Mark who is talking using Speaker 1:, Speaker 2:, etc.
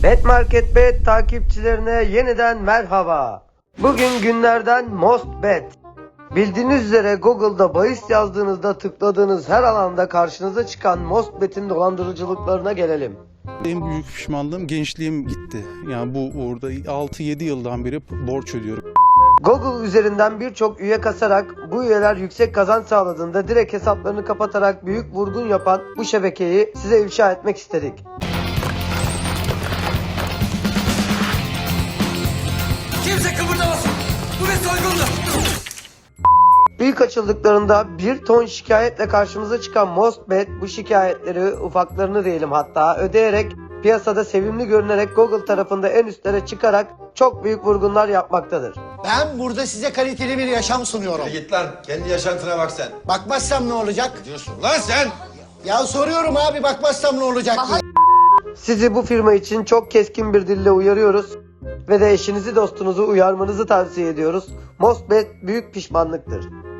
Speaker 1: Bet Market Bet takipçilerine yeniden merhaba. Bugün günlerden Most Bet. Bildiğiniz üzere Google'da bahis yazdığınızda tıkladığınız her alanda karşınıza çıkan Most Bet'in dolandırıcılıklarına gelelim.
Speaker 2: En büyük pişmanlığım gençliğim gitti. Yani bu uğurda 6-7 yıldan beri borç ödüyorum.
Speaker 1: Google üzerinden birçok üye kasarak bu üyeler yüksek kazanç sağladığında direkt hesaplarını kapatarak büyük vurgun yapan bu şebekeyi size ifşa etmek istedik.
Speaker 3: Kimse kıpırdamasın. Bu bir soygundur.
Speaker 1: İlk açıldıklarında 1 ton şikayetle karşımıza çıkan Mostbet bu şikayetleri, ufaklarını diyelim hatta, ödeyerek piyasada sevimli görünerek Google tarafında en üstlere çıkarak çok büyük vurgunlar yapmaktadır.
Speaker 4: Ben burada size kaliteli bir yaşam sunuyorum.
Speaker 5: Git lan, kendi yaşantına bak sen.
Speaker 4: Bakmazsam ne olacak?
Speaker 5: Diyorsun lan sen.
Speaker 4: Ya soruyorum abi, bakmazsam ne olacak diye.
Speaker 1: Sizi bu firma için çok keskin bir dille uyarıyoruz ve de eşinizi dostunuzu uyarmanızı tavsiye ediyoruz. Mostbet büyük pişmanlıktır.